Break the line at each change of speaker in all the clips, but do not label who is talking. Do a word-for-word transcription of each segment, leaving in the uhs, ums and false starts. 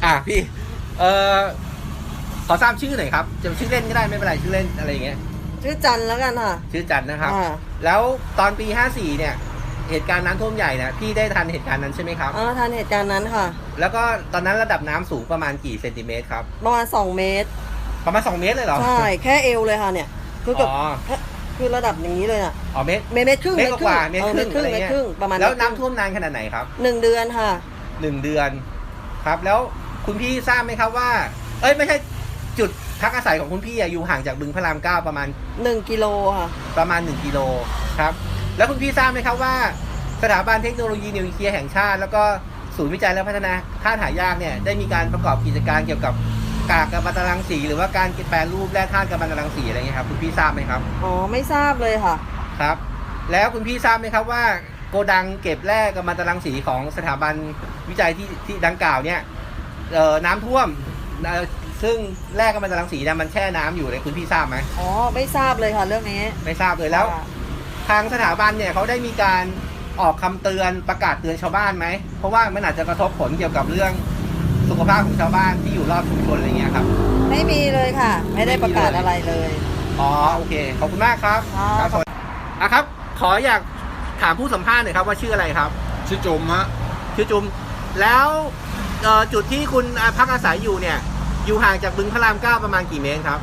อ่ะพี่เอ่อขอทราบชื่อหน่อยครับจะชื่อเล่นก็ได้ไม่เป็นไรชื่อเล่นอะไรอย่างเงี้ย
ชื่อจันแล้วกันค่ะ
ชื่อจันนะครับ
อ่า
แล้วตอนปีห้าสี่เนี่ยเหตุการณ์น้ำท่วมใหญ่นะพี่ได้ทันเหตุการณ์นั้นใช่ไหมครับ
อ๋อทันเหตุการณ์นั้นค่ะ
แล้วก็ตอนนั้นระดับน้ำสูงประมาณกี่เซนติเมตรครับ
ประมาณสองเมตร
ประมาณสองเมตรเลยเหรอ
ใช่แค่เอวเลยค่ะเนี่ยคือกับ
อ๋อ
คือระดับอย่างนี้เลยอ่ะ
อ๋อเมตร
เมตรครึ่ง
เมตรกว่าเมตรครึ่ง
เมตรครึ่งเมตรครึ่งประมาณ
แล้วน้ำท่วมนานขนาดไหนครับ
หนึ่งเดือนค่ะ
หนึ่งเดือนครับแล้วคุณพี่ทราบไหมครับว่าเอ้ยไม่ใช่จุดพักอาศัยของคุณพี่อยู่ห่างจากบึงพระรามเก้าประมาณ
หนึ่งกิโลค่ะ
ประมาณหนึ่งกิโลครับแล้วคุณพี่ทราบไหมครับว่าสถาบันเทคโนโลยีนิวเคลียร์แห่งชาติแล้วก็ศูนย์วิจัยและพัฒนาธาตุหายากเนี่ยได้มีการประกอบกิจการเกี่ยวกับกากกัมมันตรังสีหรือว่าการแปรรูปแร่ธาตุกัมมันตรังสีอะไรเงี้ยครับคุณพี่ทราบไหมครับ
อ๋อไม่ทราบเลยค่ะ
ครับแล้วคุณพี่ทราบไหมครับว่าโกดังเก็บแร่กัมมันตรังสีของสถาบันวิจัยที่ที่ดังกล่าวเนี่ยเอ่อน้ำท่วมซึ่งแร่กัมมันตรังสีเนี่ยมันแช่น้ำอยู่เลยคุณพี่ทราบไหม
อ๋อไม่ทราบเลยค่ะเรื่องนี้
ไม่ทราบเลยแล้วทางสถาบันเนี่ยเขาได้มีการออกคำเตือนประกาศเตือนชาวบ้านไหมเพราะว่ามันอาจจะกระทบผลเกี่ยวกับเรื่องสุขภาพของชาวบ้านที่อยู่รอบชุมชนอะไรเงี้ยครับ
ไม่มีเลยค่ะไม่ได้ประกาศอะไรเลย
อ๋อโอเคขอบคุณมากครับครับสวัสดีอ่ะครับขออยากถามผู้สัมภาษณ์หน่อยครับว่าชื่ออะไรครับ
ชื่อจุ๋มฮะ
ชื่อจุ๋มแล้วจุดที่คุณพักอาศัยอยู่เนี่ยอยู่ห่างจากบึงพระรามเก้าประมาณกี่เมตรครับ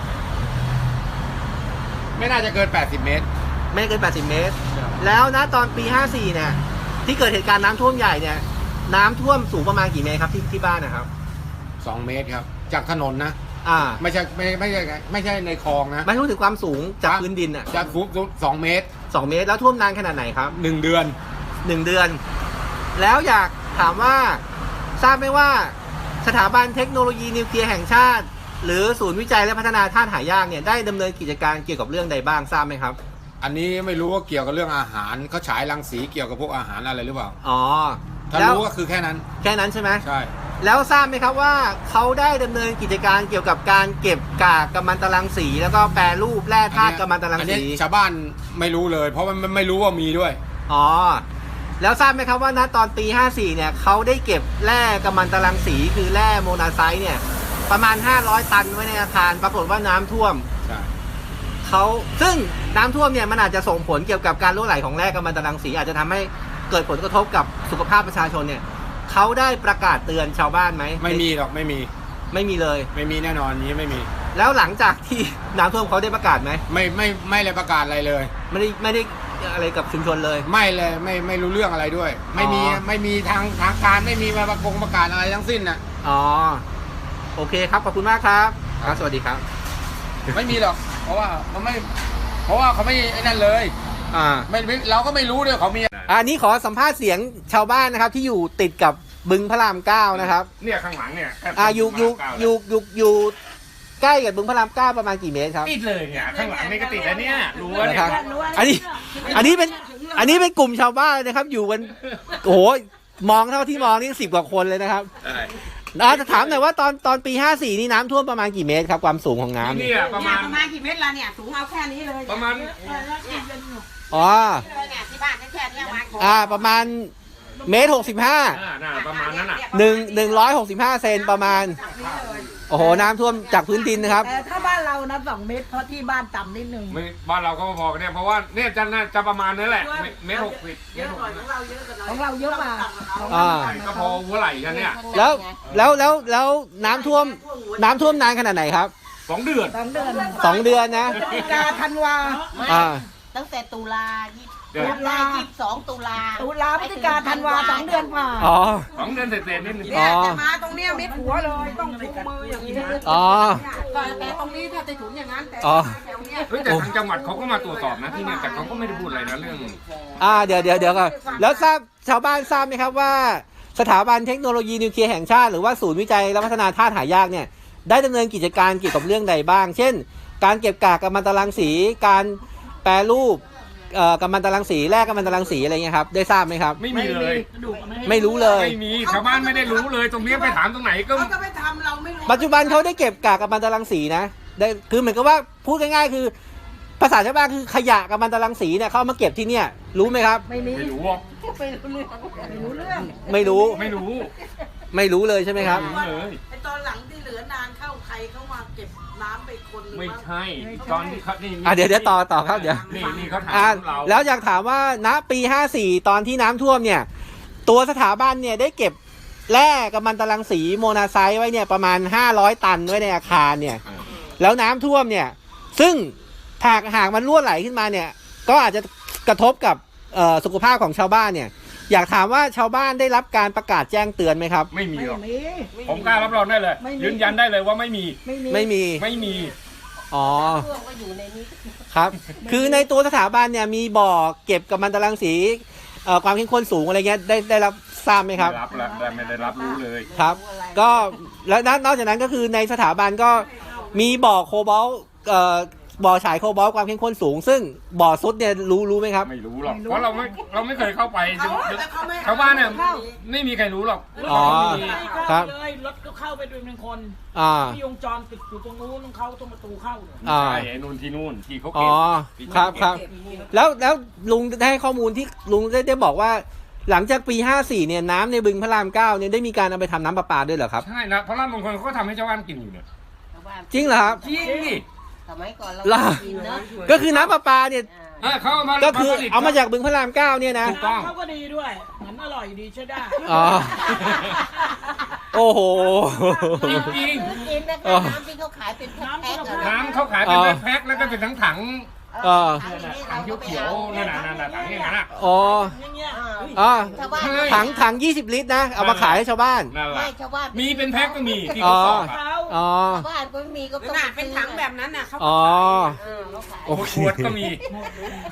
ไม่น่าจะเกินแปดสิบเมตร
ไม่เกินแปดสิบเมตรแล้วนะตอนปีห้าสี่เนี่ยที่เกิดเหตุการณ์น้ำท่วมใหญ่เนี่ยน้ำท่วมสูงประมาณกี่เมตรครับที่ที่บ้านนะครับ
สองเมตรครับจากถนนนะ
อ่า
ไม่ใช่ไม่ไม่ใช่ไม่ใช่ในคลองนะ
ไม่รู้ถึงความสูงจากพื้นดินอ่ะ
จากฟุตสองเมตร
สองเมตรแล้วท่วมนานขนาดไหนครับ
หนึ่งเดือน
หนึ่งเดือนแล้วอยากถามว่าทราบไหมว่าสถาบันเทคโนโลยีนิวเคลียร์แห่งชาติหรือศูนย์วิจัยและพัฒนาธาตุหายากเนี่ยได้ดำเนินกิจการเกี่ยวกับเรื่องใดบ้างทราบไหมครับ
อันนี้ไม่รู้ว่าเกี่ยวกับเรื่องอาหารเขาฉายรังสีเกี่ยวกับพวกอาหารอะไรหรือเปล่า
อ๋อ
ถ้ารู้ก็คือแค่นั้น
แค่นั้นใช่ไหม
ใช่
แล้วทราบไหมครับว่าเขาได้ดำเนินกิจการเกี่ยวกับการเก็บกากกัมมันตรังสีแล้วก็แปรรูปแร่ธาตุกัมมันตรังสี
ชาวบ้านไม่รู้เลยเพราะมันไม่รู้ว่ามีด้วย
อ๋อแล้วทราบไหมครับว่าณตอนปีห้าสี่เนี่ยเขาได้เก็บแร่กัมมันตรังสีคือแร่โมนาไซต์เนี่ยประมาณห้าร้อยตันไว้ในอาคารปรากฏว่าน้ำท่วม
ใช่
เขาซึ่งน้ำท่วมเนี่ยมันอาจจะส่งผลเกี่ยวกับการรั่วไหลของแร่กัมมันตรังสีอาจจะทำให้เกิดผลกระทบกับสุขภาพประชาชนเนี่ยเขาได้ประกาศเตือนชาวบ้านไหม
ไม่มีหรอกไม่มี
ไม่มีเลย
ไม่มีแน่นอนนี้ไม่มี
แล้วหลังจากที่น้ำท่วมเขาได้ประกาศไหม
ไม่ไม่ไม่เลยประกาศอะไรเลย
ไม่ได้ไม่ได้อะไรกับชุมชนเลย
ไม่เลยไม่ไม่รู้เรื่องอะไรด้วยไม่มีไม่มีทางทางการไม่มีมาประกงประกาศอะไรทั้งสิ้นนะ
อ๋อโอเคครับขอบคุณมากครับครับสวัสดีครับ
ไม่มีหรอกเพราะว่าเขาไม่เพราะว่าเขาไม่ไอ้นั่นเลย
อ่า
ไม่เราก็ไม่รู้ด้วยเขามี
อันนี้ขอสัมภาษณ์เสียงชาวบ้านนะครับที่อยู่ติดกับบึงพระรามเก้านะครับ
เนี่ยข้างหลังเนี่ย
อ่าอยู่อยู่อยู่อยู่อยู่ใกล้กับบึงพระรามเก้าประมาณกี่เมตรครับ
ติดเลยเนี่ยข้างหลังนี่ก็ติดแล้วเนี่ยรู้ว่าเนี่ย
อันนี้อันนี้เป็นอันนี้เป็นกลุ่มชาวบ้านนะครับอยู่กันโอ้โหมองเท่าที่มองนี่สิบกว่าคนเลยนะครับอาจะถามหน่อยว่าตอนตอนปีห้าสี่นี่น้ำท่วมประมาณกี่เมตรครับความสูงของน้ำ
เนี่ยประมาณ
ประมาณกี่เมตรละเนี่ยสูงเอาแค่นี้เลย
ประมาณ
อ๋อ
ที่บ้านแค่นี้มา
อ่าประมาณเมตรหกสิบห้า
ประมาณนั้นอ่ะ
หนึ่งหนึ่งร้อยหกสิบห้าเซนประมาณโอ้โหน้ำท่วมจากพื้นดินนะครับ
แต่ถ้าบ้านเรานะสองเมตรเพราะที่บ้านต่ำนิดนึง
ไม่บ้านเราก็พอกันเนี่ยเพราะว่าเนี่ยจะน่าจะประมาณนั้นแหละเมตรหกสิบ
เยอะกว่าของเราเยอะกว่าของเราเยอะกว่า
อ่า
ก็พอหัวไหล่กันเนี่ย
แล้วแล้วแล้วแล้วน้ำท่วมน้ำท่วมนานขนาดไหนครับ
สองเดือน
สองเดือน
สองเดือนนะ
พฤศจิกาธันวา
อ่า
ตั้งแต่ตุลาตุลายี่สิบสองตุลาตุลาพฤศจิกาธันวาสองเดือนกว่า
อ๋อ
สองเดือนเสร็จๆนิดนึง
เนี่ยแต่มาตรงเนี้ยมิดหัวเลยต้องถุงมืออย่างนี้
อ๋อ
แต่ตรงนี้ถ้าจะถุงอย่างนั้นแต่แถวเนี้ย
เฮ้ยแต่ทางจังหวัดเขาก็มาตรวจสอบนะที่เนี่ยแต่เขาก็ไม่ได้พูดอะไรนะเรื่อง
อ่าเดี๋ยวเดี๋ยวเดี๋ยวก่อนแล้วทราบชาวบ้านทราบไหมครับว่าสถาบันเทคโนโลยีนิวเคลียร์แห่งชาติหรือว่าศูนย์วิจัยและพัฒนาธาตุหายากเนี่ยได้ดำเนินกิจการเกี่ยวกับเรื่องใดบ้างเช่นการเก็บกากกัมมันตรังสีการแปรรูปเอ่อกัมมันตรังสีแร่กัมมันตรังสีอะไรเงี้ยครับได้ทราบไหมครับ
ไม่มีเลย
ไม่รู้เลย
ไม่มีชาวบ้านไม่ได้รู้เลยตรงนี้ไปถามตรงไหนก็
เขาจะไปทำเราไม่รู้
ปัจจุบันเขาได้เก็บกากกัมมันตรังสีนะได้คือเหมือนกับว่าพูดง่ายๆคือภาษาชาวบ้านคือขยะกัมมันตรังสีเนี่ยเขามาเก็บที่เนี่ยรู้ไหมครับ
ไม่มี
ไม่รู้
ไม่รู้เรื่องไม่รู้เรื่อง
ไม่รู้
ไม่รู้
ไม่รู้เลยใช่ไหมครับ
ไม่รู้เลย
ไอตอนหลังที่เหลือนานเข้าใครเข้ามาเก็บน้ำไปคนหรือ
ไม่
ว่า
ใช่ตอนที่เขานี่
อ่ะเดี๋ยวเดี๋ยวต่อต่อครับเดี๋ยว
นี่นี่เขาถา
อ่ะ
มเรา
แล้วอยากถามว่าณปีห้าสี่ตอนที่น้ำท่วมเนี่ย ตัวสถาบันเนี่ยได้เก็บแร่กัมมันตรังสีโมนาไซต์ไว้เนี่ยประมาณห้าร้อยตันไว้ในอาคารเนี่ย
อ่า
แล้วน้ำท่วมเนี่ย ซึ่งหากหากมันรั่วไหลขึ้นมาเนี่ย ก็อาจจะกระทบกับเอ่อสุขภาพของชาวบ้านเนี่ย อยากถามว่าชาวบ้านได้รับการประกาศแจ้งเตือนไหมครับ
ไม่มีหรอก
มี
ผมกล้ารับรองได้เลย
ไม่มี
ยืนยันได้เลยว่าไม่มี
ไม่มี
ไม่มี
ไม่มี
อ๋อ
เครื่องก็อยู่ในนี้
ครับ คือในตัวสถาบันเนี่ยมีบ่อเก็บกัมมันตรังสีเอ่อความเข้มข้นสูงอะไรเงี้ยได้ได้รับทราบไหมครับ
ไม่รับแล้วไม่ได้รับรู้เลย
ครับ ก็แล้วนนอกจากนั้นก็คือในสถาบันก็มีบ่อโคบอลต์เอ่อบ่อฉายโคบอลต์ความเข้มข้นสูง ซึ่งบ่อซุดเนี่ยรู้รู้ไหมครับ
ไม่รู้หรอก เพราะเราไม่เราไม่เคยเข้าไป
เขาแต่เขาไม่
ชาวบ้านเนี่ยไม่มีใครรู้หรอก
อ๋อ
ไม่มี
ครับ
เลยรถก็เข้าไปด้วยหนึ่งคน
อ่า
ที่วงจรปิดอยู่ตรงนู้นต้องเข้าตรงประตูเข้าเนี่ย
อ่า
ใช่ไอ้นู่นที่นู่นที่เขา
อ๋
เก็
อบ
ที่
ครับ
เขา
ค
เก็
รับ แล้วแล้วลุงได้ให้ข้อมูลที่ลุงได้ได้บอกว่า หลังจากปีห้าสี่เนี่ยน้ำในบึงพระรามเก้าเนี่ยได้มีการเอาไปทำน้ำประปาด้วยเหรอครับ
ใช่นะเพราะร้านบางคนเขาก็ทำให้ชาวบ้านกินอยู่เนี่ย
จริงเหรอครับ
จริงดิ
สมัยก่อนเรา
ล่ะ
กินนะ
ก็คือน้ำประปาเนี่ย
เออเขาเอามา
ก็คือ
ผลิต
เอามาจากบึงพระรามเก้าเนี่ยนะ
ถูกต้อง
น้ำเขาก็ดีด้วยเหมือนอร่อยดีใช่ได้
อ๋อ โอ้โห
จริง
ซื้อกินนะคะ
อ๋อ
น้ำที่เขาขายเป็นแพ็คๆอะ
ๆน้ำเขาขายเป็นแพ็คๆแล้วก็เป็นทั้งถัง
เออ
ถังเขียวๆนั่นน่ะนั่นน่ะถังอย่างนั้นน่ะ
อ๋อ
อย่างเงี้ย
อ๋อ
ชาวบ้าน
ใช่
ถังถังยี่สิบลิตรนะ เอามาขายให้ชาวบ้าน
นั่นแห
ไม่
ละ
ชาวบ้าน
มีเป็นแพ็คก็มีที่เขาบอกอะ
เขา
อ๋อ
ชาวบ้านก็ไม่มีก็ต้อง
น่ะเป็นถังแบบนั้นน่ะเขา
อ๋อ
เออเขาขาย
โอเค
ขวดก็มี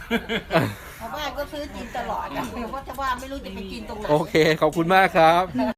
ชาวบ้านก็ซื้อกินตลอดอะเพราะชาวบ้านไม่รู้จะไปกินตรงไหน
โอเค ขอบคุณมากครับ